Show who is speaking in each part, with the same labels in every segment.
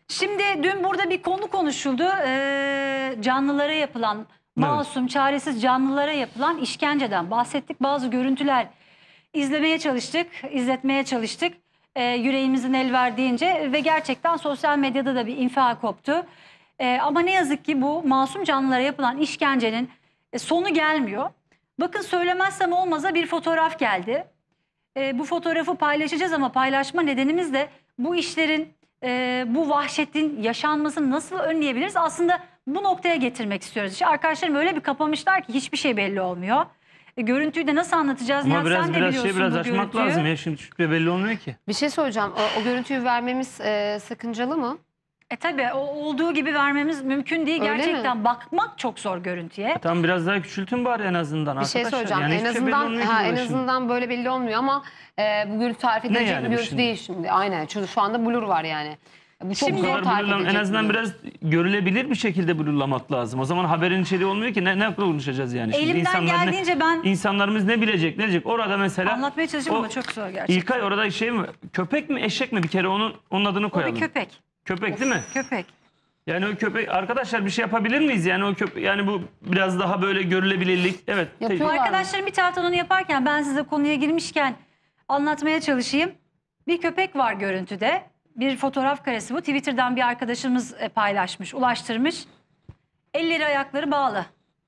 Speaker 1: Şimdi dün burada bir konu konuşuldu. Canlılara yapılan, masum, çaresiz canlılara yapılan işkenceden bahsettik. Bazı görüntüler izlemeye çalıştık, izletmeye çalıştık. Yüreğimizin el verdiğince ve gerçekten sosyal medyada da bir infial koptu. Ama ne yazık ki bu masum canlılara yapılan işkencenin sonu gelmiyor. Bakın söylemezsem olmaza bir fotoğraf geldi. Bu fotoğrafı paylaşacağız ama paylaşma nedenimiz de bu işlerin, bu vahşetin yaşanmasını nasıl önleyebiliriz? Aslında bu noktaya getirmek istiyoruz. İşte arkadaşlarım öyle bir kapamışlar ki hiçbir şey belli olmuyor. Görüntüyü de nasıl anlatacağız?
Speaker 2: Ama
Speaker 1: Nihat, sen de biliyorsun
Speaker 2: biraz
Speaker 1: bu
Speaker 2: açmak
Speaker 1: görüntüyü.
Speaker 2: lazım ya, şimdi çünkü belli olmuyor ki.
Speaker 3: Bir şey söyleyeceğim. O görüntüyü vermemiz sakıncalı mı?
Speaker 1: Tabii olduğu gibi vermemiz mümkün değil.
Speaker 3: Öyle
Speaker 1: Gerçekten
Speaker 3: mi?
Speaker 1: bakmak çok zor görüntüye.
Speaker 2: Tam biraz daha küçültün bari en azından
Speaker 3: Bir şey
Speaker 2: arkadaşlar.
Speaker 3: söyleyeceğim.
Speaker 2: Yani
Speaker 3: En
Speaker 2: hiçbir şey belli
Speaker 3: azından
Speaker 2: olmuyor ki
Speaker 3: en
Speaker 2: burada şimdi.
Speaker 3: azından böyle belli olmuyor ama bu görüntü tarif edilecek
Speaker 2: yani
Speaker 3: bir
Speaker 2: bu
Speaker 3: görüntü
Speaker 2: şimdi?
Speaker 3: değil şimdi. Aynen. Çünkü şu anda blur var yani. Bu çok
Speaker 1: Şimdi-
Speaker 3: zor tarif edilecek.
Speaker 2: En azından
Speaker 3: bir
Speaker 2: biraz görülebilir bir şekilde blurlamak lazım. O zaman haberin içeriği olmuyor ki ne konuşacağız yani. Şimdi
Speaker 1: Elimden geldiğince ben
Speaker 2: insanlarımız ne bilecek, ne diyecek? Orada mesela
Speaker 1: anlatmaya çalışıyorum ama çok zor gerçekten.
Speaker 2: İlkay orada şey mi? Köpek mi, eşek mi? Bir kere onun adını
Speaker 1: O
Speaker 2: koyalım.
Speaker 1: bir köpek.
Speaker 2: Köpek değil mi?
Speaker 1: Köpek.
Speaker 2: Yani o köpek, arkadaşlar bir şey yapabilir miyiz? Yani o köpek, yani bu biraz daha böyle görülebilirlik. Evet.
Speaker 3: Yapıyorlar.
Speaker 1: Bu arkadaşlarım bir taraftan onu yaparken ben size konuya girmişken anlatmaya çalışayım. Bir köpek var görüntüde. Bir fotoğraf karesi bu. Twitter'dan bir arkadaşımız paylaşmış, ulaştırmış. Elleri ayakları bağlı.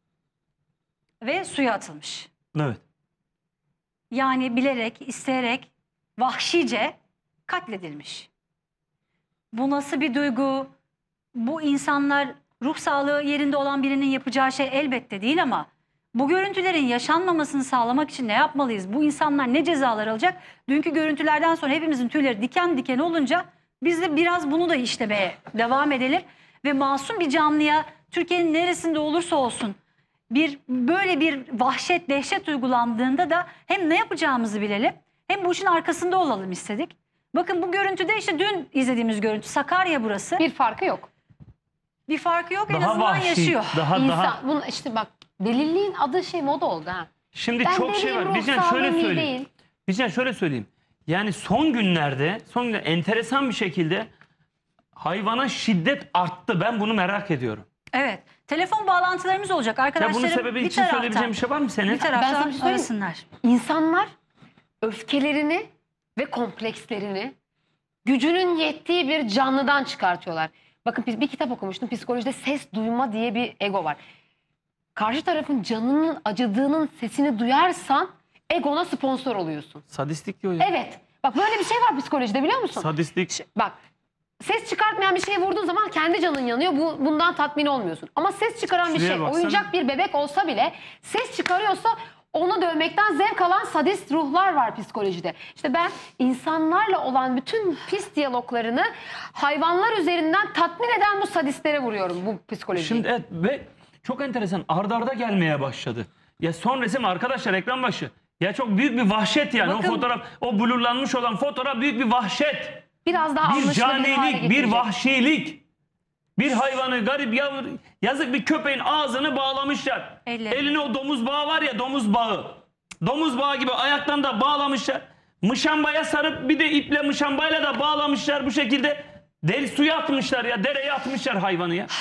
Speaker 1: Ve suya atılmış.
Speaker 2: Evet.
Speaker 1: Yani bilerek, isteyerek, vahşice katledilmiş. Bu nasıl bir duygu? Bu insanlar, ruh sağlığı yerinde olan birinin yapacağı şey elbette değil ama bu görüntülerin yaşanmamasını sağlamak için ne yapmalıyız? Bu insanlar ne cezalar alacak? Dünkü görüntülerden sonra hepimizin tüyleri diken diken olunca biz de biraz bunu da işlemeye devam edelim. Ve masum bir canlıya Türkiye'nin neresinde olursa olsun böyle bir vahşet, dehşet uygulandığında da hem ne yapacağımızı bilelim hem bu işin arkasında olalım istedik. Bakın bu görüntüde işte dün izlediğimiz görüntü, Sakarya burası.
Speaker 3: bir farkı yok.
Speaker 1: Bir farkı yok, en
Speaker 2: Daha
Speaker 1: azından
Speaker 2: vahşi,
Speaker 1: yaşıyor.
Speaker 2: daha.
Speaker 3: Bunun işte bak delilliğin adı moda oldu ha.
Speaker 2: Şimdi
Speaker 3: Ben
Speaker 2: çok şey var.
Speaker 3: deliyim,
Speaker 2: Bir
Speaker 3: ruh
Speaker 2: şey
Speaker 3: sağlığım
Speaker 2: şöyle
Speaker 3: iyi
Speaker 2: söyleyeyim.
Speaker 3: değil.
Speaker 2: Bir şey şöyle söyleyeyim. Yani son günlerde enteresan bir şekilde hayvana şiddet arttı. Ben bunu merak ediyorum.
Speaker 1: Evet. Telefon bağlantılarımız olacak
Speaker 2: Ya
Speaker 1: arkadaşlarım.
Speaker 2: bunun sebebi için söyleyebileceğim bir şey var mı senin?
Speaker 1: Bir taraftan
Speaker 3: Ben sana bir şey söyleyeyim mi?
Speaker 1: arasınlar.
Speaker 3: İnsanlar öfkelerini ve komplekslerini gücünün yettiği bir canlıdan çıkartıyorlar. Bakın bir kitap okumuştum. Psikolojide ses duyma diye bir ego var. Karşı tarafın canının acıdığının sesini duyarsan egona sponsor oluyorsun.
Speaker 2: Sadistik diyor ya.
Speaker 3: Evet. Bak böyle bir şey var psikolojide biliyor musun?
Speaker 2: Sadistik.
Speaker 3: Bak ses çıkartmayan bir şeye vurduğun zaman kendi canın yanıyor. Bundan tatmin olmuyorsun. Ama ses çıkaran bir
Speaker 2: Şuraya
Speaker 3: şey,
Speaker 2: baksana.
Speaker 3: oyuncak bir bebek olsa bile ses çıkarıyorsa onu dövmekten zevk alan sadist ruhlar var psikolojide. İşte ben insanlarla olan bütün pis diyaloglarını hayvanlar üzerinden tatmin eden bu sadistlere vuruyorum bu psikolojiyi.
Speaker 2: Şimdi evet, ve çok enteresan arda arda gelmeye başladı. Ya son resim arkadaşlar ekran başı. Ya çok büyük bir vahşet yani.
Speaker 1: Bakın.
Speaker 2: O fotoğraf, o blurlanmış olan fotoğraf büyük bir vahşet.
Speaker 3: Biraz daha
Speaker 2: Bir
Speaker 3: anlaşılabilir hale
Speaker 2: canilik, bir
Speaker 3: getirecek.
Speaker 2: vahşilik. Bir hayvanı garip yazık bir köpeğin ağzını bağlamışlar. Eline o domuz bağı var ya, domuz bağı. Domuz bağı gibi ayaklarını da bağlamışlar. Mışambaya sarıp bir de iple mışambayla da bağlamışlar bu şekilde. Suya atmışlar ya, dereye atmışlar hayvanı ya.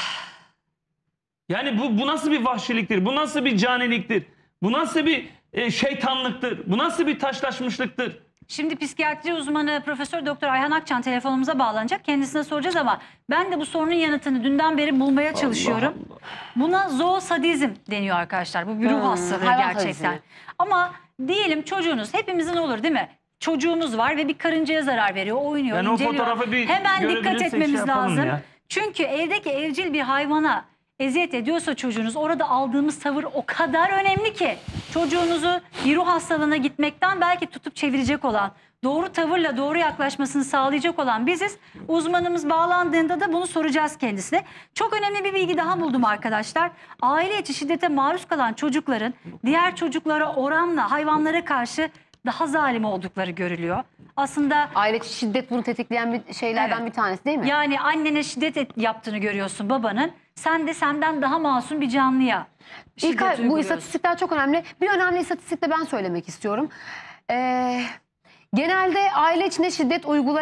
Speaker 2: Yani bu nasıl bir vahşiliktir? Bu nasıl bir caniliktir? Bu nasıl bir şeytanlıktır? Bu nasıl bir taşlaşmışlıktır?
Speaker 1: Şimdi psikiyatri uzmanı Profesör Doktor Ayhan Akçan telefonumuza bağlanacak. Kendisine soracağız ama ben de bu sorunun yanıtını dünden beri bulmaya çalışıyorum.
Speaker 2: Allah.
Speaker 1: Buna zoosadizm deniyor arkadaşlar. Bu bir ruh hastalığı
Speaker 3: hayvan
Speaker 1: gerçekten.
Speaker 3: sadizmi.
Speaker 1: Ama diyelim çocuğunuz, hepimizin olur değil mi? Çocuğumuz var ve bir karıncaya zarar veriyor, oynuyor,
Speaker 2: Yani o
Speaker 1: inceliyor.
Speaker 2: fotoğrafı bir
Speaker 1: Hemen dikkat
Speaker 2: görebilirsek
Speaker 1: etmemiz
Speaker 2: şey yapalım
Speaker 1: lazım.
Speaker 2: ya.
Speaker 1: Çünkü evdeki evcil bir hayvana eziyet ediyorsa çocuğunuz, orada aldığımız tavır o kadar önemli ki çocuğunuzu bir ruh hastalığına gitmekten belki tutup çevirecek olan, doğru tavırla doğru yaklaşmasını sağlayacak olan biziz. Uzmanımız bağlandığında da bunu soracağız kendisine. Çok önemli bir bilgi daha buldum arkadaşlar. Aile içi şiddete maruz kalan çocukların diğer çocuklara oranla hayvanlara karşı daha zalim oldukları görülüyor. Aslında
Speaker 3: Aile içi şiddet bunu tetikleyen bir şeylerden
Speaker 1: Evet.
Speaker 3: bir tanesi değil mi?
Speaker 1: yani annene şiddet yaptığını görüyorsun babanın. Sen de senden daha masum bir canlıya şiddet
Speaker 3: İlkay, bu
Speaker 1: uyguluyorsun.
Speaker 3: istatistikler çok önemli. Bir önemli istatistik de ben söylemek istiyorum. Genelde aile içinde şiddet uygulayan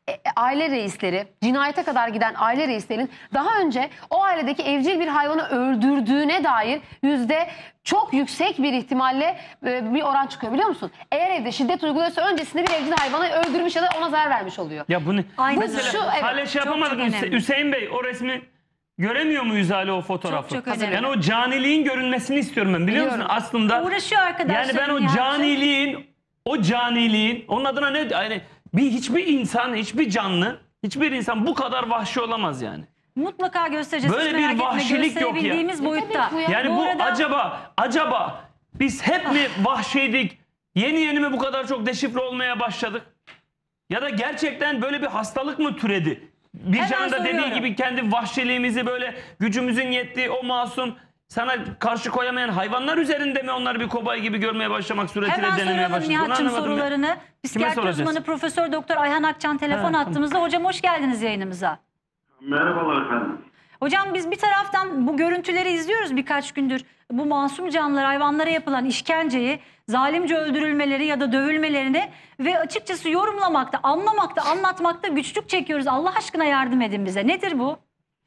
Speaker 3: aile reisleri, cinayete kadar giden aile reislerin daha önce o ailedeki evcil bir hayvanı öldürdüğüne dair çok yüksek bir ihtimalle bir oran çıkıyor, biliyor musun? Eğer evde şiddet uyguluyorsa öncesinde bir evcil hayvanı öldürmüş ya da ona zarar vermiş oluyor.
Speaker 2: Ya bunu
Speaker 1: Aynen.
Speaker 2: mesela
Speaker 3: evet,
Speaker 2: hala şey yapamadık.
Speaker 1: çok önemli.
Speaker 2: Hüseyin Bey o resmi göremiyor muyuz hala o fotoğrafı?
Speaker 1: Çok önemli.
Speaker 2: Yani o caniliğin görünmesini istiyorum ben, biliyor musun?
Speaker 3: Biliyorum.
Speaker 2: Aslında
Speaker 1: Uğraşıyor arkadaşlar.
Speaker 2: yani ben o caniliğin onun adına ne yani hiçbir insan, hiçbir insan bu kadar vahşi olamaz yani.
Speaker 1: Mutlaka göstereceğiz.
Speaker 2: Böyle
Speaker 1: Hiç
Speaker 2: bir
Speaker 1: merak etme.
Speaker 2: vahşilik yok ya.
Speaker 1: Gösterebildiğimiz boyutta.
Speaker 3: Tabii ki ya.
Speaker 2: Yani
Speaker 1: Bu
Speaker 2: bu
Speaker 1: arada-
Speaker 2: acaba biz hep mi vahşiydik? Yeni mi bu kadar çok deşifre olmaya başladık? Ya da gerçekten böyle bir hastalık mı türedi?
Speaker 1: Hemen
Speaker 2: Bircan'ın da dediği
Speaker 1: soruyorum.
Speaker 2: gibi kendi vahşiliğimizi böyle gücümüzün yettiği o masum sana karşı koyamayan hayvanlar üzerinde mi onları bir kobay gibi görmeye başlamak suretiyle
Speaker 1: Hemen
Speaker 2: denemeye
Speaker 1: soralım
Speaker 2: başladık? Bunu
Speaker 1: Nihat'cığım
Speaker 2: anlamadım ya.
Speaker 1: sorularını. Psikiyatri
Speaker 2: soracağız?
Speaker 1: uzmanı Profesör Doktor Ayhan Akçan telefon
Speaker 2: Ha, tamam.
Speaker 1: attığımızda. Hocam hoş geldiniz yayınımıza.
Speaker 4: Merhabalar efendim.
Speaker 1: Hocam biz bir taraftan bu görüntüleri izliyoruz birkaç gündür. Bu masum canlılar, hayvanlara yapılan işkenceyi, zalimce öldürülmeleri ya da dövülmelerini ve açıkçası yorumlamakta, anlamakta, anlatmakta güçlük çekiyoruz. Allah aşkına yardım edin bize. Nedir bu?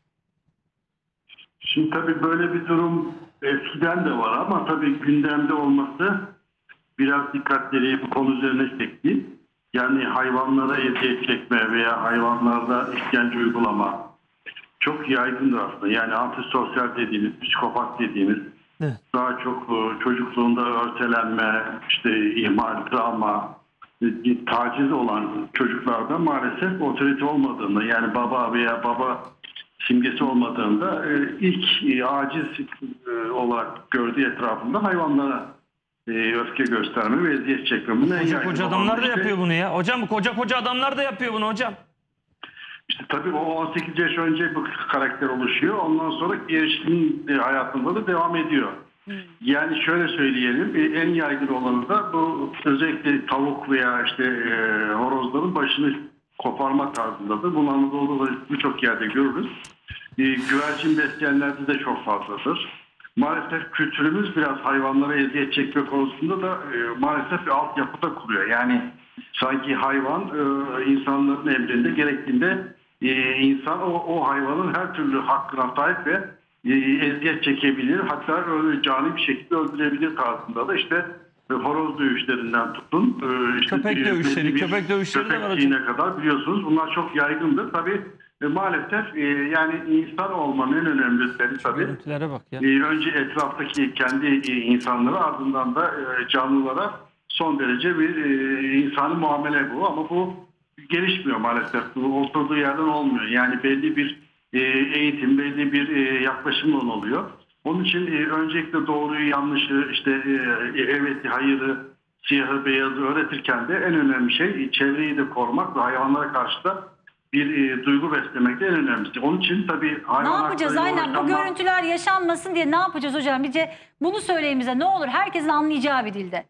Speaker 4: Şimdi tabii böyle bir durum eskiden de var ama tabii gündemde olması biraz dikkatleri bu konu üzerine çekti. Yani hayvanlara eziyet çekme veya hayvanlarda işkence uygulama çok yaygındır aslında. Yani antisosyal dediğimiz, psikopat dediğimiz
Speaker 2: Evet.
Speaker 4: daha çok çocukluğunda örselenme, işte ihmal, travma, taciz olan çocuklarda maalesef otorite olmadığında, yani baba veya baba simgesi olmadığında ilk aciz olarak gördüğü etrafında hayvanlara öfke gösterme ve eziyet çekme.
Speaker 2: Koca adamlar da yapıyor bunu ya. Hocam koca adamlar da yapıyor bunu hocam.
Speaker 4: İşte tabii o 18 yaş önce bu karakter oluşuyor. Ondan sonra erişkin hayatında da devam ediyor. Yani şöyle söyleyelim, en yaygın olanı da bu özellikle tavuk veya işte horozların başını koparma tarzındadır. Bunu Anadolu'da da birçok yerde görürüz. Güvercin besleyenlerde de çok fazladır. Maalesef kültürümüz biraz hayvanlara eziyet çekme konusunda da maalesef bir altyapıda kuruyor. Yani sanki hayvan insanların emrinde, gerektiğinde insan o hayvanın her türlü hakkına sahip ve eziyet çekebilir. Hatta öyle cani bir şekilde öldürebilir tarzında da işte horoz dövüşlerinden tutun. İşte
Speaker 2: Köpek dövüşleri de var hocam.
Speaker 4: kadar biliyorsunuz. Bunlar çok yaygındır. Tabii maalesef yani insan olmanın en önemlisi tabii.
Speaker 2: Görüntülere bak ya.
Speaker 4: Önce etraftaki kendi insanlara, ardından da canlılara son derece bir insani muamele bu. Ama bu gelişmiyor maalesef. Bu oturduğu yerden olmuyor. Yani belli bir eğitim, belli bir yaklaşımla oluyor. Onun için öncelikle doğruyu, yanlışı, işte eveti, hayırı, siyahı, beyazı öğretirken de en önemli şey çevreyi de korumak ve hayvanlara karşı da bir duygu beslemek de en önemlisi. Onun için tabii
Speaker 1: Ne yapacağız aynen bu görüntüler yaşanmasın diye ne yapacağız hocam? Bize bunu söyleyin bize ne olur herkesin anlayacağı bir dilde.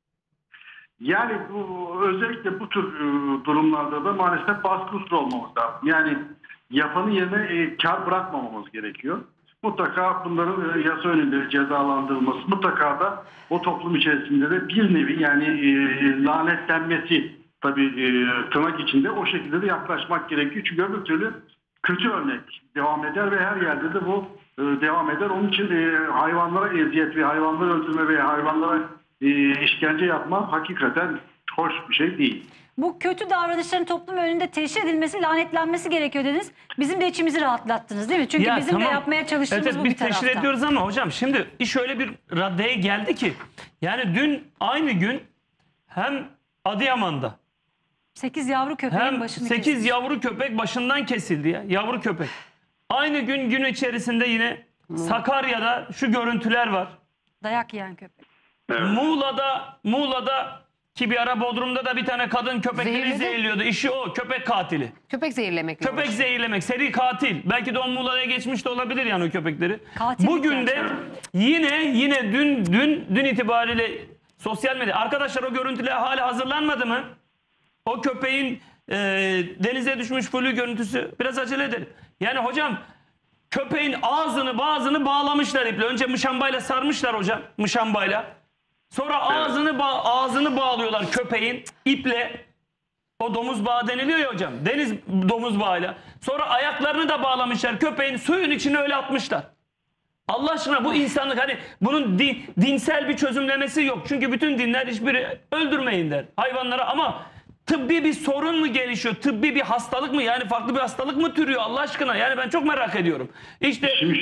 Speaker 4: Yani özellikle bu tür durumlarda da maalesef baskı unsuru olmamız lazım. Yani yapanın yerine kar bırakmamamız gerekiyor. Mutlaka bunların yasa önünde cezalandırılması, mutlaka da o toplum içerisinde de bir nevi yani lanetlenmesi tabii tırnak içinde o şekilde de yaklaşmak gerekiyor. Çünkü öbür türlü kötü örnek devam eder ve her yerde de bu devam eder. Onun için hayvanlara eziyet ve hayvanları öldürme ve hayvanlara işkence yapma hakikaten hoş bir şey değil.
Speaker 1: Bu kötü davranışların toplum önünde teşhir edilmesi, lanetlenmesi gerekiyor dediniz. Bizim de içimizi rahatlattınız değil mi? Çünkü
Speaker 2: Ya
Speaker 1: bizim de
Speaker 2: tamam.
Speaker 1: yapmaya çalıştığımız
Speaker 2: evet,
Speaker 1: bu bir
Speaker 2: biz
Speaker 1: taraftan.
Speaker 2: teşhir ediyoruz ama hocam şimdi iş öyle bir raddeye geldi ki yani aynı gün hem Adıyaman'da
Speaker 1: 8 yavru köpeğin
Speaker 2: hem
Speaker 1: başını
Speaker 2: 8
Speaker 1: kesmiş.
Speaker 2: yavru köpek başından kesildi ya. Yavru köpek. Aynı gün içerisinde yine Sakarya'da şu görüntüler var.
Speaker 1: Dayak yiyen köpek.
Speaker 4: Evet.
Speaker 2: Muğla'da ki bir ara Bodrum'da da bir tane kadın köpekleri
Speaker 3: Zehirledi.
Speaker 2: zehirliyordu. İşi o, köpek katili.
Speaker 3: Köpek zehirlemek.
Speaker 2: Köpek zehirlemek, seri katil. Belki de o Muğla'ya geçmiş de olabilir yani o köpekleri.
Speaker 1: Katillik
Speaker 2: Bugün de yine dün itibariyle sosyal medya. Arkadaşlar o görüntüler hala hazırlanmadı mı? O köpeğin denize düşmüş flu görüntüsü. Biraz acele edelim. Yani hocam köpeğin ağzını bağlamışlar iple. Önce mışambayla sarmışlar hocam. Mışambayla. Sonra ağzını bağlıyorlar köpeğin iple. O domuz bağı deniliyor ya hocam. Deniz domuz bağıyla. Sonra ayaklarını da bağlamışlar. Köpeğin suyun içine öyle atmışlar. Allah aşkına bu insanlık, hani bunun dinsel bir çözümlemesi yok. Çünkü bütün dinler hiçbiri öldürmeyin der hayvanlara, ama tıbbi bir sorun mu gelişiyor? Tıbbi bir hastalık mı? Yani farklı bir hastalık mı türüyor Allah aşkına? Yani ben çok merak ediyorum. İşte
Speaker 4: Şimdi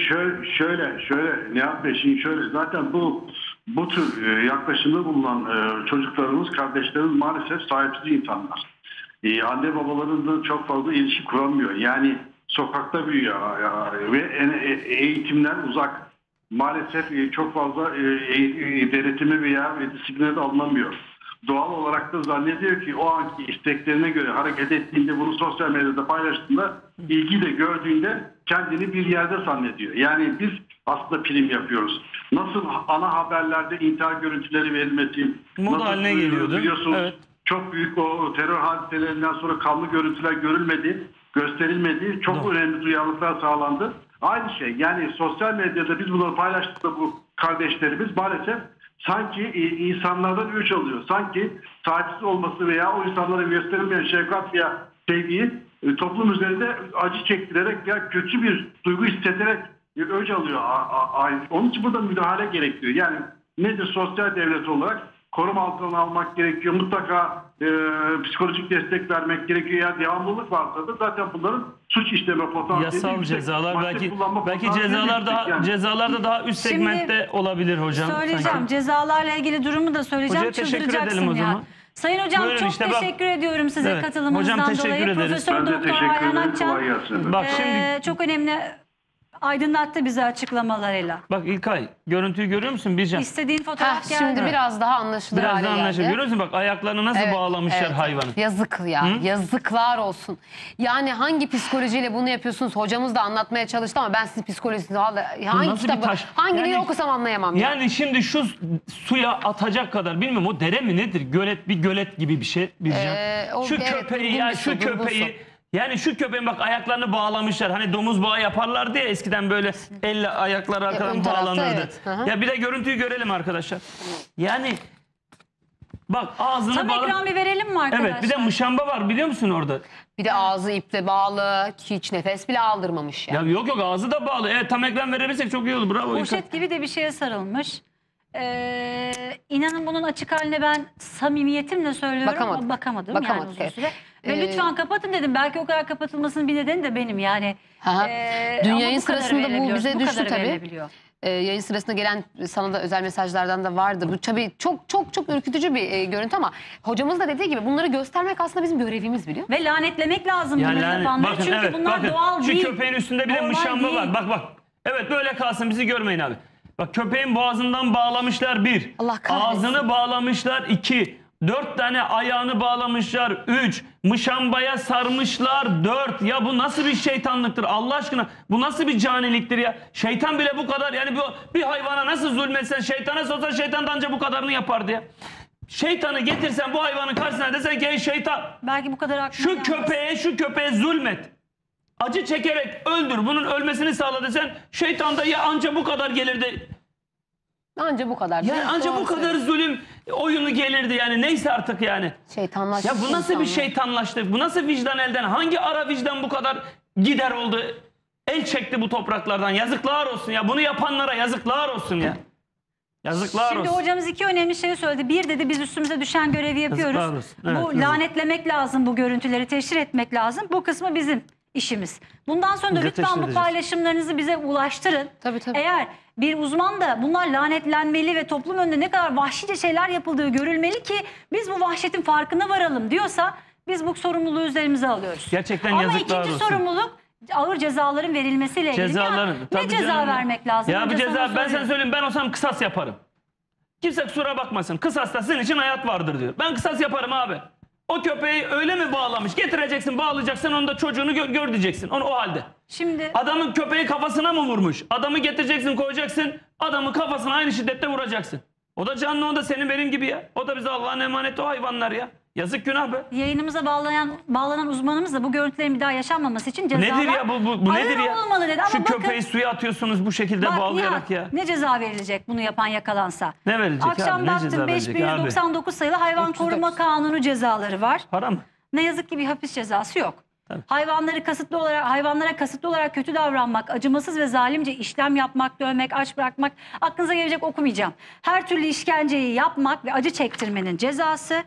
Speaker 4: şöyle Nihat Bey, şimdi şöyle, zaten bu tür yaklaşımda bulunan çocuklarımız, kardeşlerimiz maalesef sahipsiz insanlar. Anne babaların da çok fazla ilişki kuramıyor. Yani sokakta büyüyor ve eğitimden uzak. Maalesef çok fazla denetimi veya disipline de alınamıyor. Doğal olarak da zannediyor ki o anki isteklerine göre hareket ettiğinde, bunu sosyal medyada paylaştığında, ilgi de gördüğünde kendini bir yerde zannediyor. Yani biz aslında prim yapıyoruz. Nasıl ana haberlerde intihar görüntüleri verilmesi,
Speaker 2: moda haline geliyordu.
Speaker 4: Biliyorsunuz,
Speaker 2: Evet.
Speaker 4: çok büyük o terör hadiselerinden sonra kanlı görüntüler görülmedi, gösterilmedi. Çok önemli duyarlılıklar sağlandı. Aynı şey, yani sosyal medyada biz bunları paylaştığımızda bu kardeşlerimiz maalesef sanki insanlardan öç alıyor. Sanki sahipsiz olması veya o insanlara gösterilmeyen şefkat veya sevgiyi toplum üzerinde acı çektirerek veya kötü bir duygu hissettirerek öç alıyor. Onun için burada müdahale gerekiyor. Yani nedir, sosyal devlet olarak koruma altına almak gerekiyor. Mutlaka psikolojik destek vermek gerekiyor. Eğer devamlılık varsa da zaten bunların suç işleme potansiyeli
Speaker 2: Yasal
Speaker 4: yüksek.
Speaker 2: cezalar,
Speaker 4: Madde
Speaker 2: belki
Speaker 4: kullanma potansiyeli
Speaker 2: cezalar
Speaker 4: yüksek
Speaker 2: daha
Speaker 4: yani.
Speaker 2: cezalar da daha üst
Speaker 1: Şimdi
Speaker 2: segmentte olabilir hocam.
Speaker 1: Söyleyeceğim.
Speaker 2: sanki.
Speaker 1: Cezalarla ilgili durumu da söyleyeceğim.
Speaker 2: Hocaya teşekkür
Speaker 1: Çıldıracaksın
Speaker 2: edelim o
Speaker 1: ya.
Speaker 2: zaman.
Speaker 1: Sayın hocam,
Speaker 2: Buyurun,
Speaker 1: çok
Speaker 2: işte bak.
Speaker 1: teşekkür ediyorum size
Speaker 2: Evet.
Speaker 1: katılımınızdan
Speaker 2: Hocam, teşekkür
Speaker 1: dolayı.
Speaker 2: ederiz.
Speaker 1: Profesör
Speaker 4: Ben de
Speaker 1: Doktor
Speaker 4: teşekkür
Speaker 1: Ayhan
Speaker 4: ederim.
Speaker 1: Akçan
Speaker 4: Kolay gelsin.
Speaker 2: Bak şimdi
Speaker 1: çok önemli aydınlattı bizi açıklamalarıyla.
Speaker 2: bak İlkay, görüntüyü görüyor musun Bircan?
Speaker 1: İstediğin fotoğraf geldi.
Speaker 3: Şimdi biraz daha anlaşılır
Speaker 2: Biraz
Speaker 3: hale
Speaker 2: daha
Speaker 3: geldi.
Speaker 2: anlaşılıyor. Görüyor musun? Bak ayaklarını nasıl
Speaker 3: Evet,
Speaker 2: bağlamışlar
Speaker 3: evet.
Speaker 2: hayvanı.
Speaker 3: Yazık ya. Yazıklar olsun. Yani hangi psikolojiyle bunu yapıyorsunuz? Hocamız da anlatmaya çalıştı ama ben sizin psikolojisini hangi
Speaker 2: nasıl bir
Speaker 3: kitabı,
Speaker 2: taş?
Speaker 3: hangini
Speaker 2: Yani-
Speaker 3: okusam anlayamam. ya.
Speaker 2: Yani şimdi şu suya atacak kadar, bilmiyorum o dere mi nedir? Gölet, bir gölet gibi bir şey Bircan.
Speaker 3: O-
Speaker 2: Şu
Speaker 3: evet,
Speaker 2: köpeği
Speaker 3: durgun
Speaker 2: ya
Speaker 3: bir su,
Speaker 2: şu
Speaker 3: durgun
Speaker 2: köpeği
Speaker 3: su.
Speaker 2: yani şu köpeğin bak ayaklarını bağlamışlar. Hani domuz bağı yaparlardı ya eskiden, böyle elle ayakları arkadan
Speaker 3: ön tarafta
Speaker 2: bağlanırdı.
Speaker 3: evet. Hı hı.
Speaker 2: Ya bir de görüntüyü görelim arkadaşlar. Yani bak ağzını
Speaker 1: Tam
Speaker 2: bağla.
Speaker 1: ekran bir verelim mi arkadaşlar?
Speaker 2: Evet, bir de muşamba var biliyor musun orada?
Speaker 3: Bir de ağzı iple bağlı, hiç nefes bile aldırmamış ya.
Speaker 2: Ya yok ağzı da bağlı. Evet, tam ekran verebilirsek çok iyi olur. Bravo. İlkay.
Speaker 1: Poşet gibi de bir şeye sarılmış. İnanın bunun açık haline ben samimiyetimle söylüyorum ama bakamadım yani
Speaker 3: Bakamadık,
Speaker 1: uzun
Speaker 3: evet.
Speaker 1: süre. Ve lütfen kapatın dedim. Belki o kadar kapatılmasının bir nedeni de benim yani.
Speaker 3: Aha. Dün
Speaker 1: Ama
Speaker 3: yayın
Speaker 1: bu kadarı
Speaker 3: sırasında bu
Speaker 1: verebiliyoruz,
Speaker 3: bize
Speaker 1: bu
Speaker 3: düştü
Speaker 1: kadarı
Speaker 3: tabii.
Speaker 1: verilebiliyor.
Speaker 3: Yayın sırasında gelen sana da özel mesajlardan da vardı. Bu tabii çok ürkütücü bir görüntü ama hocamız da dediği gibi bunları göstermek aslında bizim görevimiz, biliyor musun?
Speaker 1: Ve lanetlemek lazım
Speaker 2: Yani
Speaker 1: bunları yapanları.
Speaker 2: bakın,
Speaker 1: Çünkü
Speaker 2: evet,
Speaker 1: bunlar
Speaker 2: bakın.
Speaker 1: doğal
Speaker 2: Şu
Speaker 1: değil.
Speaker 2: köpeğin üstünde bir de
Speaker 1: Normal
Speaker 2: mışamba
Speaker 1: değil.
Speaker 2: var. Bak. Evet, böyle kalsın, bizi görmeyin abi. Bak, köpeğin boğazından bağlamışlar 1.
Speaker 3: Allah kahretsin.
Speaker 2: Ağzını bağlamışlar 2. 4 tane ayağını bağlamışlar 3. Mışambaya sarmışlar 4. Ya bu nasıl bir şeytanlıktır Allah aşkına? Bu nasıl bir caniliktir ya? Şeytan bile bu kadar, yani bir hayvana nasıl zulmetsen, şeytana sorsan şeytan da anca bu kadarını yapardı ya. Şeytanı getirsen bu hayvanın karşısına desen ki ey şeytan,
Speaker 1: Belki bu kadar aklıma
Speaker 2: şu köpeğe zulmet. Acı çekerek öldür. Bunun ölmesini sağla desen şeytan da ya anca bu kadar gelirdi.
Speaker 3: Anca bu kadar.
Speaker 2: Yani anca bu kadar zulüm oyunu gelirdi yani, neyse artık yani.
Speaker 3: Şeytanlaştı.
Speaker 2: Ya bu nasıl bir şeytanlaştı? Bu nasıl vicdan elden? Hangi ara vicdan bu kadar gider oldu? El çekti bu topraklardan. Yazıklar olsun ya. Bunu yapanlara yazıklar olsun ya. Yazıklar
Speaker 1: Şimdi
Speaker 2: olsun.
Speaker 1: hocamız iki önemli şey söyledi. Bir dedi, biz üstümüze düşen görevi yapıyoruz.
Speaker 2: Yazıklar olsun. Evet,
Speaker 1: Bu
Speaker 2: evet.
Speaker 1: lanetlemek lazım, bu görüntüleri teşhir etmek lazım. Bu kısmı bizim işimiz. Bundan sonra da
Speaker 2: Biz de
Speaker 1: lütfen
Speaker 2: teşhir
Speaker 1: bu
Speaker 2: edeceğiz.
Speaker 1: paylaşımlarınızı bize ulaştırın.
Speaker 3: Tabii.
Speaker 1: Eğer bir uzman da bunlar lanetlenmeli ve toplum önünde ne kadar vahşice şeyler yapıldığı görülmeli ki biz bu vahşetin farkına varalım diyorsa biz bu sorumluluğu üzerimize alıyoruz.
Speaker 2: Gerçekten
Speaker 1: Ama
Speaker 2: yazıklar
Speaker 1: ikinci
Speaker 2: olsun.
Speaker 1: sorumluluk ağır cezaların verilmesiyle ilgili.
Speaker 2: Cezaların.
Speaker 1: Ne
Speaker 2: Tabii
Speaker 1: ceza
Speaker 2: canım.
Speaker 1: vermek lazım?
Speaker 2: Ya bu
Speaker 1: Önce
Speaker 2: ceza,
Speaker 1: sana
Speaker 2: ben sana
Speaker 1: soruyorum.
Speaker 2: söyleyeyim, ben olsam kısas yaparım. Kimse kusura bakmasın. Kısasta sizin için hayat vardır diyor. Ben kısas yaparım abi. O köpeği öyle mi bağlamış? Getireceksin, bağlayacaksın, onu da çocuğunu gör diyeceksin. Onu o halde.
Speaker 1: Şimdi
Speaker 2: Adamın köpeği kafasına mı vurmuş? Adamı getireceksin, koyacaksın. Adamın kafasına aynı şiddette vuracaksın. O da canlı, o da senin benim gibi ya. O da bize Allah'ın emaneti o hayvanlar ya. Yazık, günah be.
Speaker 1: yayınımıza bağlanan uzmanımız da bu görüntülerin bir daha yaşanmaması için cezalar
Speaker 2: Nedir ya bu nedir ya?
Speaker 1: olmalı dedi. Ama
Speaker 2: Şu
Speaker 1: bakın,
Speaker 2: köpeği suya atıyorsunuz bu şekilde
Speaker 1: bak
Speaker 2: bağlayarak
Speaker 1: Nihat,
Speaker 2: ya.
Speaker 1: ne ceza verilecek bunu yapan yakalansa?
Speaker 2: Ne verecek
Speaker 1: Akşam
Speaker 2: abi? Ne ceza
Speaker 1: baktım
Speaker 2: verecek abi?
Speaker 1: 5199 sayılı hayvan
Speaker 3: 309.
Speaker 1: koruma kanunu cezaları var.
Speaker 2: Para mı?
Speaker 1: ne yazık ki bir hapis cezası yok.
Speaker 2: Tabii.
Speaker 1: Hayvanlara kasıtlı olarak kötü davranmak, acımasız ve zalimce işlem yapmak, dövmek, aç bırakmak, aklınıza gelecek okumayacağım. Her türlü işkenceyi yapmak ve acı çektirmenin cezası.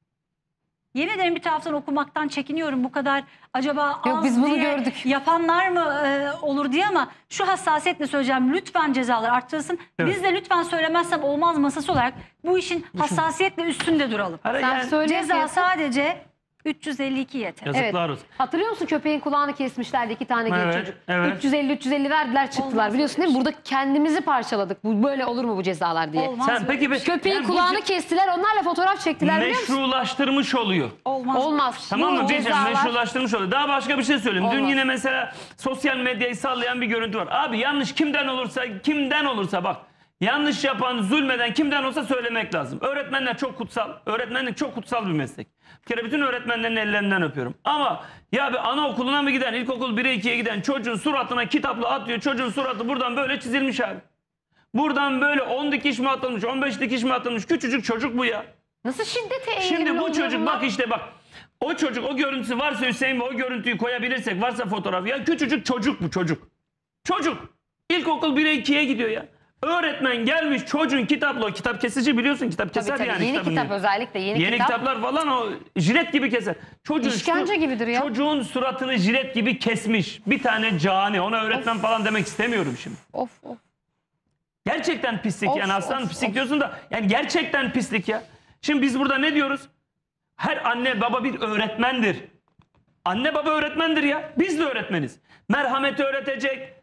Speaker 1: Yemin ederim bir taraftan okumaktan çekiniyorum, bu kadar acaba
Speaker 3: Yok,
Speaker 1: az
Speaker 3: biz bunu
Speaker 1: diye
Speaker 3: gördük.
Speaker 1: yapanlar mı olur diye, ama şu hassasiyetle söyleyeceğim, lütfen cezalar arttırılsın.
Speaker 2: Evet.
Speaker 1: Biz de lütfen söylemezsem olmaz masası olarak bu işin hassasiyetle üstünde duralım.
Speaker 2: Ara
Speaker 3: Sen
Speaker 2: yani,
Speaker 3: söyle.
Speaker 1: Ceza sadece 352 yeter.
Speaker 2: yazıklar olsun.
Speaker 3: Hatırlıyor musun, köpeğin kulağını kesmişlerdi 2 tane genç
Speaker 2: Evet,
Speaker 3: çocuk.
Speaker 2: evet.
Speaker 3: 350 verdiler, çıktılar.
Speaker 1: Olmaz
Speaker 3: Biliyorsun değil mi? Burada kendimizi parçaladık. Bu böyle olur mu bu cezalar diye.
Speaker 1: Olmaz.
Speaker 2: Sen peki
Speaker 3: Köpeğin
Speaker 2: yani bu
Speaker 3: kulağını kestiler, onlarla fotoğraf çektiler, biliyor musun?
Speaker 2: meşrulaştırmış oluyor.
Speaker 1: Olmaz.
Speaker 3: Olmaz.
Speaker 2: Tamam mı?
Speaker 3: Bu
Speaker 2: Diyeceğim
Speaker 3: cezalar-
Speaker 2: meşrulaştırmış oluyor. Daha başka bir şey söyleyeyim. Dün
Speaker 3: Olmaz.
Speaker 2: yine mesela sosyal medyayı sallayan bir görüntü var. Abi yanlış kimden olursa bak. Yanlış yapan, zulmeden kimden olsa söylemek lazım. Öğretmenler çok kutsal. Öğretmenlik çok kutsal bir meslek. Bir kere bütün öğretmenlerin ellerinden öpüyorum. Ama ya bir anaokuluna mı giden, ilkokul 1'e 2'ye giden çocuğun suratına kitapla atıyor. Çocuğun suratı buradan böyle çizilmiş abi. Buradan böyle 10 dikiş mi atılmış, 15 dikiş mi atılmış? Küçücük çocuk bu ya.
Speaker 3: Nasıl şiddete eğilimli
Speaker 2: Şimdi bu
Speaker 3: oluyor
Speaker 2: çocuk
Speaker 3: bunlar?
Speaker 2: bak işte bak. O çocuk, o görüntüsü varsa Hüseyin Bey, o görüntüyü koyabilirsek, varsa fotoğrafı, ya küçücük çocuk bu çocuk. Çocuk. İlkokul 1'e 2'ye gidiyor ya. Öğretmen gelmiş çocuğun kitap kesici, biliyorsun, kitap keser
Speaker 3: Tabii,
Speaker 2: yani.
Speaker 3: yeni
Speaker 2: kitabın
Speaker 3: kitap
Speaker 2: yani.
Speaker 3: özellikle yeni
Speaker 2: Yeni
Speaker 3: kitap.
Speaker 2: kitaplar falan o jilet gibi keser.
Speaker 3: İşkence gibidir ya.
Speaker 2: Çocuğun suratını jilet gibi kesmiş. Bir tane cani. Ona öğretmen falan demek istemiyorum şimdi.
Speaker 3: Of of.
Speaker 2: Gerçekten pislik
Speaker 3: Of,
Speaker 2: yani, aslan
Speaker 3: of,
Speaker 2: pislik
Speaker 3: of.
Speaker 2: diyorsun da yani gerçekten pislik ya. Şimdi biz burada ne diyoruz? Her anne baba bir öğretmendir. Anne baba öğretmendir ya. Biz de öğretmeniz. Merhameti öğretecek.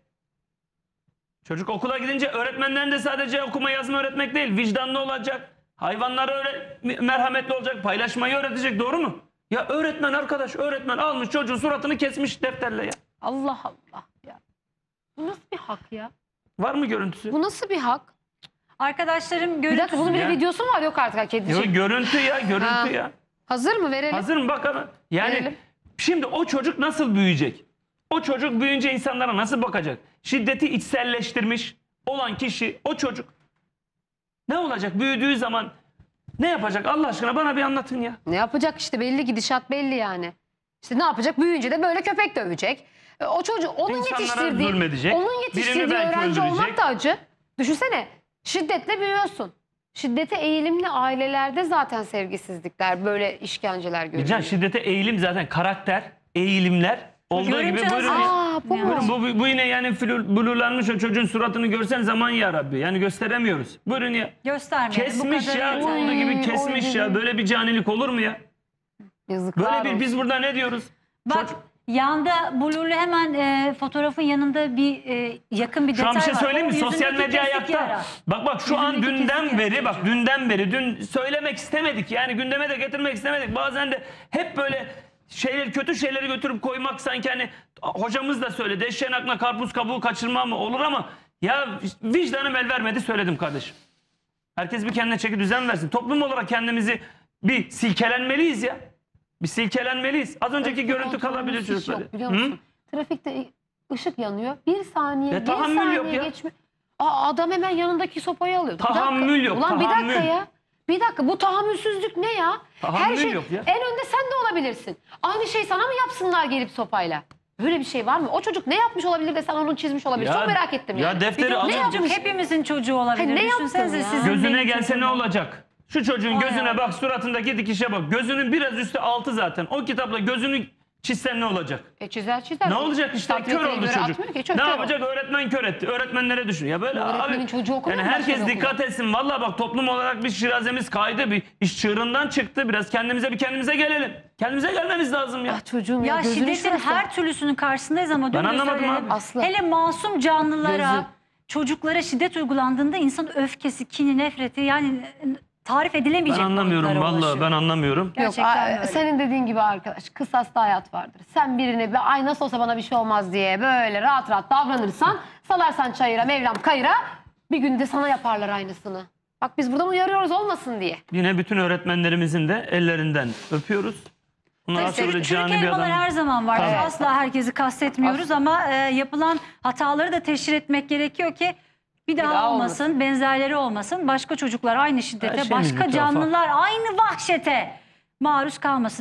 Speaker 2: Çocuk okula gidince öğretmenlerin de sadece okuma yazma öğretmek değil, vicdanlı olacak. Hayvanlara merhametli olacak, paylaşmayı öğretecek, doğru mu? Ya öğretmen arkadaş, öğretmen almış çocuğun suratını kesmiş defterle ya.
Speaker 3: Allah Allah ya. Bu nasıl bir hak ya?
Speaker 2: Var mı görüntüsü?
Speaker 3: Bu nasıl bir hak?
Speaker 1: Arkadaşlarım
Speaker 3: Bir dakika,
Speaker 1: görüntüsü.
Speaker 3: bunun bir de
Speaker 2: Ya.
Speaker 3: videosu mu var? Yok artık, kedi
Speaker 2: Yok,
Speaker 3: şey.
Speaker 2: görüntü ya, görüntü
Speaker 3: Ha.
Speaker 2: ya.
Speaker 3: Hazır mı? Verelim.
Speaker 2: Hazır mı? Bak ama. Yani
Speaker 3: Verelim.
Speaker 2: şimdi o çocuk nasıl büyüyecek? O çocuk büyüyünce insanlara nasıl bakacak? Şiddeti içselleştirmiş olan kişi, o çocuk ne olacak? Büyüdüğü zaman ne yapacak? Allah aşkına bana bir anlatın ya.
Speaker 3: Ne yapacak işte, belli, gidişat belli yani. İşte ne yapacak? Büyüyünce de böyle köpek dövecek. O çocuk, onun
Speaker 2: İnsanlara
Speaker 3: yetiştirdiği,
Speaker 2: zulmedecek.
Speaker 3: onun
Speaker 2: Birini
Speaker 3: yetiştirdiği
Speaker 2: belki
Speaker 3: öğrenci
Speaker 2: öldürecek.
Speaker 3: olmak da acı. Düşünsene, şiddetle büyüyorsun. Şiddete eğilimli ailelerde zaten sevgisizlikler, böyle işkenceler görülüyor.
Speaker 2: Can, şiddete eğilim zaten karakter, eğilimler olduğu
Speaker 1: Görüntü
Speaker 2: gibi. Buyurun.
Speaker 1: hazır.
Speaker 3: Aa, bu mu?
Speaker 2: Buyurun, bu yine yani blurlanmış o çocuğun suratını görsen zaman ya Rabbi. Yani gösteremiyoruz. Buyurun ya.
Speaker 1: Göstermeyelim.
Speaker 2: Kesmiş
Speaker 1: Bu kadar
Speaker 2: ya.
Speaker 1: yeter.
Speaker 2: Olduğu gibi
Speaker 3: Oy,
Speaker 2: kesmiş
Speaker 3: oy.
Speaker 2: ya. Böyle bir canilik olur mu ya?
Speaker 3: Yazıklar
Speaker 2: Böyle bir,
Speaker 3: olsun.
Speaker 2: biz burada ne diyoruz?
Speaker 1: Bak yanda blurlu hemen fotoğrafın yanında bir yakın bir
Speaker 2: Şu
Speaker 1: detay
Speaker 2: an bir şey
Speaker 1: var.
Speaker 2: söyleyeyim mi?
Speaker 1: O
Speaker 2: Sosyal
Speaker 1: yüzündeki
Speaker 2: medya
Speaker 1: kesik yara.
Speaker 2: ayakta. Bak şu an
Speaker 1: Yüzündeki
Speaker 2: dünden
Speaker 1: kesik
Speaker 2: beri,
Speaker 1: yara
Speaker 2: bak
Speaker 1: çocuğun.
Speaker 2: dünden beri, dün söylemek istemedik. Yani gündeme de getirmek istemedik. Bazen de hep böyle kötü şeyleri götürüp koymak, sanki hani hocamız da söyledi. Eşeğin aklına karpuz kabuğu kaçırma mı olur, ama ya vicdanım el vermedi, söyledim kardeşim. Herkes bir kendine çeki düzen versin. Toplum olarak kendimizi bir silkelenmeliyiz ya. Bir silkelenmeliyiz. Az önceki görüntü kalabilir
Speaker 3: Hiç
Speaker 2: çocuklar.
Speaker 3: yok, biliyor musun? Trafikte ışık yanıyor. Bir saniye,
Speaker 2: Ya
Speaker 3: bir
Speaker 2: tahammül
Speaker 3: saniye
Speaker 2: yok ya.
Speaker 3: geçmiyor. Adam hemen yanındaki sopayı alıyor. Bir
Speaker 2: Tahammül
Speaker 3: dakika.
Speaker 2: yok,
Speaker 3: Ulan bir
Speaker 2: tahammül.
Speaker 3: dakika ya. Bir dakika, bu tahammülsüzlük ne ya?
Speaker 2: Tahammül yok ya.
Speaker 3: En önde sen de olabilirsin. Aynı şey sana mı yapsınlar gelip sopayla? Böyle bir şey var mı? O çocuk ne yapmış olabilir de sen onu çizmiş olabilir? Çok merak ettim
Speaker 2: ya.
Speaker 3: yani.
Speaker 2: Ya defteri
Speaker 1: Ne
Speaker 2: alın.
Speaker 1: yapacak? Hepimizin çocuğu olabilir.
Speaker 3: Hayır, ne yaptın
Speaker 1: Düşünsenize
Speaker 3: ya?
Speaker 1: sizin
Speaker 2: Gözüne
Speaker 1: benim
Speaker 2: gelse
Speaker 1: çocuğum
Speaker 2: ne
Speaker 1: olacak.
Speaker 2: olacak? Şu çocuğun
Speaker 1: Ay
Speaker 2: gözüne
Speaker 1: Allah.
Speaker 2: bak, suratındaki dikişe bak. Gözünün biraz üstü altı zaten. O kitapla gözünü çizsen ne olacak?
Speaker 3: Çizer.
Speaker 2: Ne olacak işte, kör
Speaker 3: Santimetreyi
Speaker 2: oldu
Speaker 3: göre
Speaker 2: çocuk.
Speaker 3: atmıyor ki, çok
Speaker 2: Ne
Speaker 3: kör
Speaker 2: yapacak? Öğretmen kör etti. Öğretmenlere düşün. Ya böyle
Speaker 3: Öğretmenin
Speaker 2: abi.
Speaker 3: çocuğu okumuyor
Speaker 2: Yani
Speaker 3: mu?
Speaker 2: herkes
Speaker 3: Başka
Speaker 2: dikkat etsin. Vallahi bak, toplum olarak bir şirazemiz kaydı. Bir iş çığırından çıktı. Biraz kendimize gelelim. Kendimize gelmemiz lazım ya.
Speaker 3: Ah çocuğum ya,
Speaker 1: Ya
Speaker 3: gözünün
Speaker 1: şiddetin
Speaker 3: şurası.
Speaker 1: her türlüsünün karşısındayız ama
Speaker 2: Ben
Speaker 1: dün de
Speaker 2: anlamadım
Speaker 1: söyledim.
Speaker 2: abi.
Speaker 3: Aslı.
Speaker 1: Hele masum canlılara,
Speaker 3: Gözü.
Speaker 1: çocuklara şiddet uygulandığında insan öfkesi, kini, nefreti, yani tarif edilemeyecek
Speaker 2: Ben anlamıyorum
Speaker 1: boyutlara
Speaker 2: vallahi,
Speaker 1: ulaşıyor.
Speaker 2: ben anlamıyorum.
Speaker 3: Yok,
Speaker 1: Gerçekten öyle.
Speaker 3: senin dediğin gibi arkadaş, kısasta hayat vardır. Sen birine ay nasıl olsa bana bir şey olmaz diye böyle rahat rahat davranırsan, salarsan çayıra, Mevlam kayıra, bir günde sana yaparlar aynısını. Bak biz buradan uyarıyoruz, olmasın diye.
Speaker 2: Yine bütün öğretmenlerimizin de ellerinden öpüyoruz. Bunlar asla böyle
Speaker 1: Çürük
Speaker 2: cani bir
Speaker 1: elmalar
Speaker 2: adam.
Speaker 1: her zaman var.
Speaker 2: Tabii.
Speaker 1: Asla herkesi kastetmiyoruz ama yapılan hataları da teşhir etmek gerekiyor ki bir daha olmasın, benzerleri olmasın. Başka çocuklar aynı şiddete,
Speaker 2: Her şeyimiz
Speaker 1: başka
Speaker 2: bir tuhaf.
Speaker 1: canlılar aynı vahşete maruz kalmasın.